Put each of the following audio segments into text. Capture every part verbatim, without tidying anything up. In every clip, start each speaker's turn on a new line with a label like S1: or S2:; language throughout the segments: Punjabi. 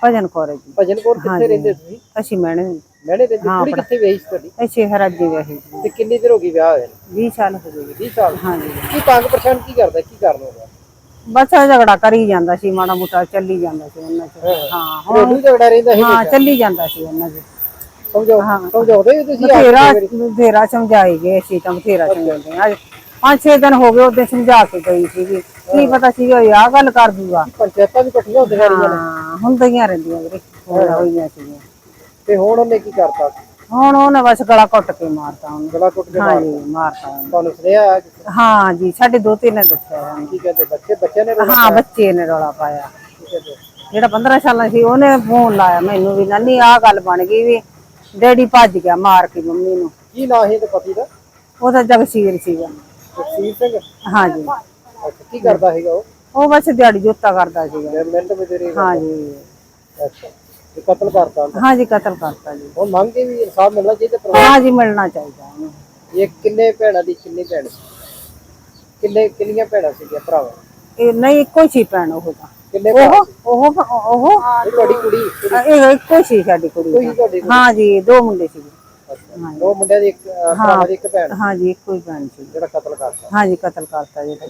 S1: ਭਜਨ ਕੌਰ ਹੈ ਜੀ।
S2: ਭਜਨ ਕੌਰ ਕਿੱਥੇ ਰਹਿੰਦੇ ਤੁਸੀਂ?
S1: ਅਸੀਂ ਮੈਣੇ
S2: ਮੈਣੇ ਰਹਿੰਦੇ। ਕੁੜੀ ਕਿੱਥੇ ਵਿਆਹੀ ਸੀ ਤੁਹਾਡੀ?
S1: ਇਹ ਸ਼ਹਿਰ ਜੀ ਵਿਆਹੀ ਸੀ।
S2: ਤੇ ਕਿੰਨੀ ਦੇਰ ਹੋ ਗਈ ਵਿਆਹ ਹੋਏ?
S1: ਵੀਹ ਸਾਲ ਹੋ ਗਏ।
S2: ਵੀਹ ਸਾਲ?
S1: ਹਾਂਜੀ।
S2: ਕੀ ਤੰਗ ਪਰੇਸ਼ਾਨ ਕੀ ਕਰਦਾ, ਕੀ ਕਾਰਨ ਹੋਗਾ?
S1: ਬਸ ਝਗੜਾ ਕਰੀ ਜਾਂਦਾ ਸੀ, ਮਾੜਾ ਮੋਟਾ ਚੱਲੀ ਜਾਂਦਾ ਸੀ ਉਹਨਾਂ ਚ। ਹਾਂ
S2: ਹੁਣ ਝਗੜਾ ਰਹਿੰਦਾ ਸੀ?
S1: ਹਾਂ ਚੱਲੀ ਜਾਂਦਾ ਸੀ ਉਹਨਾਂ ਚ।
S2: ਸਮਝੋ ਸਮਝਾਉਂਦੇ ਤੁਸੀਂ?
S1: ਬਥੇਰਾ ਬਥੇਰਾ ਸਮਝਾਈ ਗਏ ਅਸੀਂ ਤਾਂ, ਬਥੇਰਾ ਸਮਝਾਉਂਦੇ ਆ। ਪੰਜ ਛੇ ਦਿਨ ਹੋ ਗਏ ਉਹਦੇ ਸਮਝਾ ਕੇ ਗਈ ਸੀਗੀ, ਕੀ ਪਤਾ ਸੀਗਾ ਆਹ ਗੱਲ ਕਰ ਦੂਗਾ।
S2: ਪੰਚਾਇਤਾਂ ਵੀ ਇਕੱਠੀਆਂ ਹੁੰਦੀਆਂ ਰਹੀਆਂ ਨੇ?
S1: ਹਾਂ ਹੁੰਦੀਆਂ ਰਹਿੰਦੀਆਂ ਵੀਰੇ, ਹੋਈਆਂ ਸੀਗੀਆਂ।
S2: ਤੇ ਹੁਣ ਉਹਨੇ ਕੀ ਕਰਤਾ?
S1: ਹੁਣ ਉਹਨੇ ਬਸ ਗਲਾ ਘੁੱਟ ਕੇ ਮਾਰਤਾ ਉਹਨੂੰ।
S2: ਗਲਾ ਘੁੱਟ ਕੇ
S1: ਹਾਂਜੀ ਮਾਰਤਾ ਉਹਨੂੰ।
S2: ਤੁਹਾਨੂੰ ਸੁਣਿਆ?
S1: ਹਾਂ ਜੀ, ਸਾਡੇ ਦੋਤੇ ਨੇ ਦੱਸਿਆ।
S2: ਕੀ ਕਹਿੰਦੇ ਬੱਚੇ? ਬੱਚਿਆਂ ਨੇ?
S1: ਹਾਂ ਬੱਚੇ ਨੇ ਰੌਲਾ ਪਾਇਆ। ਜਿਹੜਾ ਪੰਦਰਾਂ ਸਾਲਾਂ ਸੀ ਉਹਨੇ ਫੋਨ ਲਾਇਆ ਮੈਨੂੰ ਵੀ, ਨਾਨੀ ਆਹ ਗੱਲ ਬਣ ਗਈ ਵੀ ਡੈਡੀ ਭੱਜ ਗਿਆ ਮਾਰ ਕੇ ਮੰਮੀ ਨੂੰ।
S2: ਕੀ ਨਾਂ ਸੀ ਤੇ ਪਤੀ ਦਾ?
S1: ਉਹਦਾ ਜਗਸੀਰ ਸੀਗਾ।
S2: ਜਗਸੀਰ ਸਿੰਘ?
S1: ਹਾਂ ਜੀ।
S2: ਅੱਛਾ, ਕੀ ਕਰਦਾ ਸੀਗਾ ਉਹ?
S1: ਉਹ ਬਸ ਦਿਹਾੜੀ ਜੋਤਾ ਕਰਦਾ ਸੀਗਾ।
S2: ਮਿੰਟ ਮਜ਼ਦੂਰੀ?
S1: ਹਾਂ ਜੀ।
S2: ਅੱਛਾ, ਤੇ ਕਤਲ ਕਰਤਾ?
S1: ਹਾਂ ਜੀ ਕਤਲ ਕਰਤਾ ਜੀ।
S2: ਉਹ ਮੰਗ ਕੇ ਵੀ ਇਨਸਾਫ ਮਿਲਣਾ ਚਾਹੀਦਾ?
S1: ਹਾਂ ਜੀ ਮਿਲਣਾ ਚਾਹੀਦਾ ਉਹਨੂੰ।
S2: ਇਹ ਕਿੰਨੇ ਭੈਣਾਂ ਦੀ? ਕਿੰਨੀ ਭੈਣ ਸੀ? ਕਿੰਨੇ ਕਿੰਨੀਆਂ ਭੈਣਾਂ ਸੀਗੀਆਂ ਭਰਾਵਾਂ?
S1: ਇਹ ਨਹੀਂ ਇੱਕੋ ਸੀ ਭੈਣ ਉਹ ਤਾਂ।
S2: ਕਿੰਨੇ
S1: ਉਹ ਉਹ ਉਹ
S2: ਤੁਹਾਡੀ ਕੁੜੀ?
S1: ਇਹ ਇੱਕੋ ਸੀ ਸਾਡੀ ਕੁੜੀ। ਹਾਂ ਜੀ ਦੋ ਮੁੰਡੇ ਸੀ।
S2: ਦੋ ਮੁੰਡਿਆਂ ਦੀ ਇੱਕ ਭਰਾ ਦੀ ਇੱਕ ਭੈਣ?
S1: ਹਾਂ ਜੀ ਇੱਕੋ ਹੀ ਭੈਣ ਸੀ।
S2: ਜਿਹੜਾ ਕਤਲ ਕਰਤਾ?
S1: ਹਾਂ ਜੀ ਕਤਲ ਕਰਤਾ ਜੀ।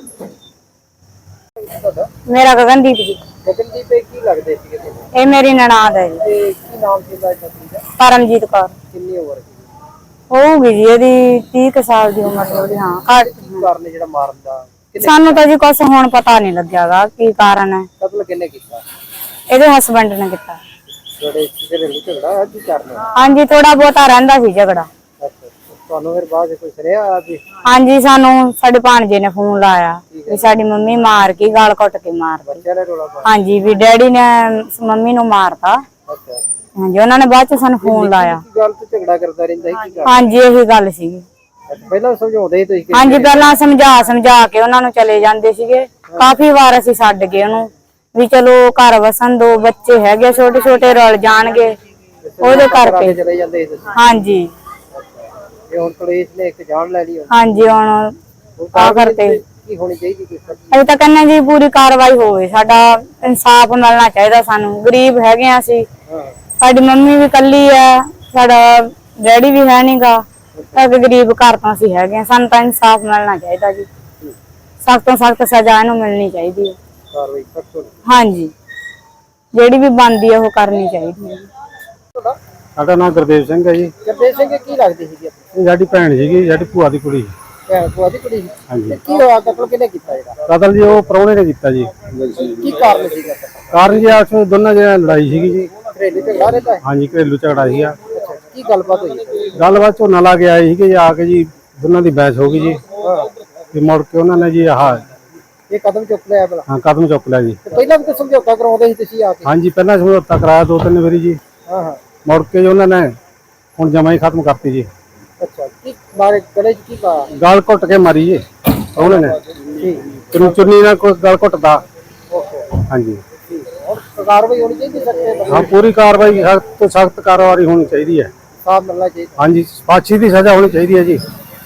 S2: ਤੁਹਾਡਾ?
S3: ਮੇਰਾ ਗਗਨਦੀਪ ਜੀ।
S2: ਗਗਨਦੀਪ ਕੀ ਲੱਗਦੇ ਸੀਗੇ ਤੁਹਾਨੂੰ?
S3: ਇਹ ਮੇਰੀ ਨਨਾਣ ਹੈ ਜੀ।
S2: ਤੇ ਕੀ ਨਾਮ ਸੀ ਇਹਦਾ?
S3: ਪਰਮਜੀਤ ਕੌਰ।
S2: ਕਿੰਨੀ ਉਮਰ ਸੀ?
S3: ਹੋਊਗੀ ਜੀ ਇਹਦੀ ਤੀਹ ਕੁ ਸਾਲ ਦੀ ਉਮਰ ਹੋਊਗੀ। ਹਾਂ
S2: ਕੀ ਕਾਰਨ ਜਿਹੜਾ ਮਾਰਨ ਦਾ?
S3: ਸਾਨੂੰ ਤਾਂ ਜੀ ਕੁਛ ਹੁਣ ਪਤਾ ਨਹੀਂ ਲੱਗਿਆਗਾ ਕੀ ਕਾਰਨ ਹੈ।
S2: ਕਤਲ ਕਿਹਨੇ ਕੀਤਾ?
S3: ਇਹਦੇ ਹਸਬੰਡ ਨੇ ਕੀਤਾ।
S2: ਜਿਹੜੇ ਘਰੇਲੂ ਝਗੜਾ ਕੀ ਕਾਰਨ?
S3: ਹਾਂਜੀ ਥੋੜਾ ਬਹੁਤਾ ਰਹਿੰਦਾ ਸੀ ਝਗੜਾ।
S2: ਤੁਹਾਨੂੰ ਫਿਰ ਬਾਅਦ ਕੋਈ ਸੁਣਿਆ?
S3: ਹਾਂਜੀ ਸਾਨੂੰ ਸਾਡੇ ਭਾਣਜੇ ਨੇ ਫੋਨ ਲਾਇਆ ਵੀ ਸਾਡੀ ਮੰਮੀ ਮਾਰ ਕੇ ਗਾਲ ਘੁੱਟ ਕੇ ਮਾਰ ਦਿੱਤੀ। ਹਾਂਜੀ ਵੀ ਡੈਡੀ ਨੇ ਮੰਮੀ ਨੂੰ ਮਾਰਤਾ। ਹਾਂਜੀ ਉਹਨਾਂ ਨੇ ਬਾਅਦ ਚ ਸਾਨੂੰ ਫੋਨ ਲਾਇਆ।
S2: ਗੱਲ ਤੇ ਝਗੜਾ ਕਰਦਾ ਰਹਿੰਦਾ ਸੀ?
S3: ਹਾਂਜੀ ਇਹੀ ਗੱਲ ਸੀਗੀ।
S2: ਪਹਿਲਾਂ ਸਮਝਾਉਂਦੇ ਸੀ ਤੁਸੀਂ?
S3: ਹਾਂਜੀ ਪਹਿਲਾਂ ਸਮਝਾ ਸਮਝਾ ਕੇ ਉਹਨਾਂ ਨੂੰ ਚਲੇ ਜਾਂਦੇ ਸੀਗੇ। ਕਾਫੀ ਵਾਰ ਅਸੀਂ ਛੱਡ ਗਏ ਉਹਨੂੰ ਵੀ ਚਲੋ ਘਰ ਵਸਣ ਦੋ, ਬੱਚੇ ਹੈਗੇ ਛੋਟੇ ਛੋਟੇ ਰਲ ਜਾਣਗੇ ਉਹਦੇ ਕਰਕੇ
S2: ਚਲੇ ਜਾਂਦੇ ਸੀ?
S3: ਹਾਂਜੀ।
S2: ਤੇ ਹੁਣ ਪੁਲਿਸ ਨੇ ਇੱਕ ਜਾਨ ਲੈ ਲਈ?
S3: ਹਾਂਜੀ ਹੁਣ ਆ ਕਰਤੇ
S2: ਕੀ ਹੋਣੀ ਚਾਹੀਦੀ?
S3: ਅਸੀਂ ਤਾਂ ਕਹਿੰਦੇ ਜੀ ਪੂਰੀ ਕਾਰਵਾਈ ਹੋਵੇ, ਸਾਡਾ ਇਨਸਾਫ ਮਿਲਣਾ ਚਾਹੀਦਾ ਸਾਨੂੰ। ਗਰੀਬ ਹੈਗੇ ਆ ਅਸੀਂ, ਸਾਡੀ ਮੰਮੀ ਵੀ ਕੱਲੀ ਆ, ਸਾਡਾ ਡੈਡੀ ਵੀ ਹੈ ਨੀਗਾ, ਸਾਡੇ ਗਰੀਬ ਘਰ ਤੋਂ ਅਸੀਂ ਹੈਗੇ ਆ। ਸਾਨੂੰ ਤਾਂ ਇਨਸਾਫ ਮਿਲਣਾ ਚਾਹੀਦਾ ਜੀ, ਸਖਤ ਤੋਂ ਸਖਤ ਸਜ਼ਾ ਇਹਨੂੰ ਮਿਲਣੀ ਚਾਹੀਦੀ ਹੈ। ਹਾਂਜੀ ਜਿਹੜੀ ਵੀ ਬਣਦੀ ਹੈ ਉਹ ਕਰਨੀ ਚਾਹੀਦੀ ਹੈ।
S4: ਸਾਡਾ ਨਾਮ ਗੁਰਦੇਵ ਸਿੰਘ ਹੈ ਜੀ।
S2: ਗੁਰਦੇਵ ਸਿੰਘ ਕੀ ਲੱਗਦੀ ਸੀਗੀ?
S4: ਇਹ ਸਾਡੀ ਭੈਣ ਸੀਗੀ, ਸਾਡੀ ਭੂਆ ਦੀ ਕੁੜੀ।
S2: ਭੈਣ ਭੂਆ ਦੀ ਕੁੜੀ?
S4: ਹਾਂਜੀ।
S2: ਕੀ ਹੋਇਆ? ਕਤਲ ਕਿਹਨੇ ਕੀਤਾ ਜਿਹੜਾ?
S4: ਕਤਲ ਜੀ ਉਹ ਪ੍ਰਾਹੁਣੇ ਨੇ ਕੀਤਾ ਜੀ।
S2: ਕੀ ਕਾਰਨ ਸੀਗਾ?
S4: ਕਾਰਨ ਜੀ ਆਪਸ ਵਿੱਚ ਦੋਨਾਂ ਜਣਿਆਂ ਦੀ ਲੜਾਈ ਸੀਗੀ ਜੀ।
S2: ਘਰੇਲੂ ਝਗੜਾ ਰਹਿੰਦਾ?
S4: ਹਾਂਜੀ ਘਰੇਲੂ ਝਗੜਾ ਸੀਗਾ।
S2: ਕੀ ਗੱਲਬਾਤ ਹੋਈ?
S4: ਗੱਲਬਾਤ ਝੋਨਾ ਲਾ ਕੇ ਆਏ ਸੀਗੇ ਜੀ, ਆ ਕੇ ਜੀ ਦੋਨਾਂ ਦੀ ਬਹਿਸ ਹੋ ਗਈ ਜੀ। ਤੇ ਮੁੜ ਕੇ ਉਹਨਾਂ ਨੇ ਜੀ ਆਹ
S2: ਇਹ ਕਦਮ ਚੁੱਕ ਲਿਆ ਭਲਾ?
S4: ਹਾਂ ਕਦਮ ਚੁੱਕ ਲਿਆ ਜੀ।
S2: ਪਹਿਲਾਂ ਵੀ ਤਾਂ ਸਮਝੌਤਾ ਕਰਾਉਂਦੇ ਸੀ ਤੁਸੀਂ ਆ ਕੇ?
S4: ਹਾਂਜੀ ਪਹਿਲਾਂ ਸਮਝੌਤਾ ਕਰਾਇਆ ਦੋ ਤਿੰਨ ਵਾਰੀ ਜੀ।
S2: ਹਾਂ ਹਾਂ। ਮੁੜ
S4: ਕੇ ਜੀ ਉਹਨਾਂ ਨੇ ਹੁਣ ਜਮਾ ਹੀ ਖਤਮ ਕਰਤੀ ਜੀ।
S2: ਅੱਛਾ, ਕੀ ਮਾਰੇ ਗਲੇ 'ਚ ਕੀ ਪਾਇਆ?
S4: ਗਾਲ ਘੁੱਟ ਕੇ ਮਾਰੀ ਜੀ ਉਹਨਾਂ ਨੇ। ਠੀਕ। ਚੁੰਨੀ ਨਾਲ ਕੋਈ ਗਾਲ ਘੁੱਟਦਾ। ਹਾਂਜੀ।
S2: ਹੁਣ ਕਾਰਵਾਈ ਹੋਣੀ ਚਾਹੀਦੀ ਸਖਤ?
S4: ਹਾਂ ਪੂਰੀ ਕਾਰਵਾਈ, ਸਖਤ ਤੋਂ ਸਖਤ ਕਾਰਵਾਈ ਹੋਣੀ ਚਾਹੀਦੀ ਹੈ।
S2: ਸਾਫ ਮਿਲਣਾ ਚਾਹੀਦਾ। ਹਾਂਜੀ
S4: ਫਾਂਸੀ ਦੀ ਸਜ਼ਾ ਹੋਣੀ ਚਾਹੀਦੀ ਹੈ ਜੀ।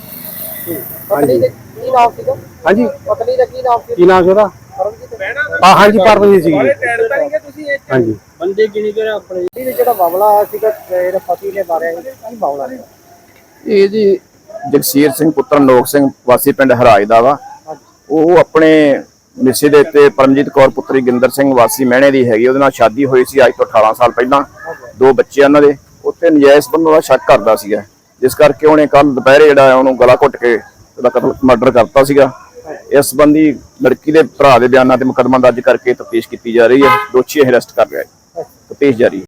S2: ਪਤਨੀ ਦਾ ਕੀ ਨਾਮ ਸੀਗਾ?
S4: ਹਾਂਜੀ
S2: ਪਤਨੀ ਦਾ ਕੀ ਨਾਮ ਸੀ?
S4: ਕੀ ਨਾਮ ਸੀ ਉਹਦਾ? ਹਾਂ ਹਾਂਜੀ ਪਰਮਜੀਤ ਸੀ। ਹਾਂਜੀ।
S2: ਬੰਦੇ ਗਿਣੀ ਕਰ ਆਪਣੇ ਜਿਹੜਾ ਮਾਮਲਾ ਆਇਆ ਸੀਗਾ, ਜਿਹੜਾ ਪਤੀ ਨੇ ਮਾਰਿਆ ਸੀ, ਕੀ ਮਾਮਲਾ ਹੈ
S5: ਇਹ ਜੀ? ਜਗਸੀਰ ਸਿੰਘ ਪੁੱਤਰ ਨੋਕ ਸਿੰਘ ਵਾਸੀ ਪਿੰਡ ਹਰਾਜ ਦਾ ਵਾ। ਉਹ ਆਪਣੇ ਮਿਸੇ ਦੇ ਉੱਤੇ ਪਰਮਜੀਤ ਕੌਰ ਪੁੱਤਰੀ ਗਿੰਦਰ ਸਿੰਘ ਵਾਸੀ ਮਹਿਣੇ ਦੀ ਹੈਗੀ, ਉਹਦੇ ਨਾਲ ਸ਼ਾਦੀ ਹੋਈ ਸੀ ਅੱਜ ਤੋਂ ਅਠਾਰਾਂ ਸਾਲ ਪਹਿਲਾਂ। ਦੋ ਬੱਚੇ ਉਹਨਾਂ ਦੇ। ਉੱਥੇ ਨਜਾਇਜ਼ ਸੰਬੰਧਾਂ ਦਾ ਸ਼ੱਕ ਕਰਦਾ ਸੀਗਾ, ਜਿਸ ਕਰਕੇ ਉਹਨੇ ਕੱਲ ਦੁਪਹਿਰੇ ਜਿਹੜਾ ਉਹਨੂੰ ਗਲਾ ਘੁੱਟ ਕੇ ਉਹਦਾ ਕਤਲ ਮਰਡਰ ਕਰਤਾ ਸੀਗਾ। ਇਸ ਸੰਬੰਧੀ ਲੜਕੀ ਦੇ ਭਰਾ ਦੇ ਬਿਆਨਾਂ ਤੇ ਮੁਕੱਦਮਾ ਦਰਜ ਕਰਕੇ ਤਫਤੀਸ਼ ਕੀਤੀ ਜਾ ਰਹੀ ਹੈ। ਦੋਸ਼ੀ ਅਰੈਸਟ ਕਰ ਲਿਆ ਹੈ। ਤਫਤੀਸ਼ ਜਾਰੀ।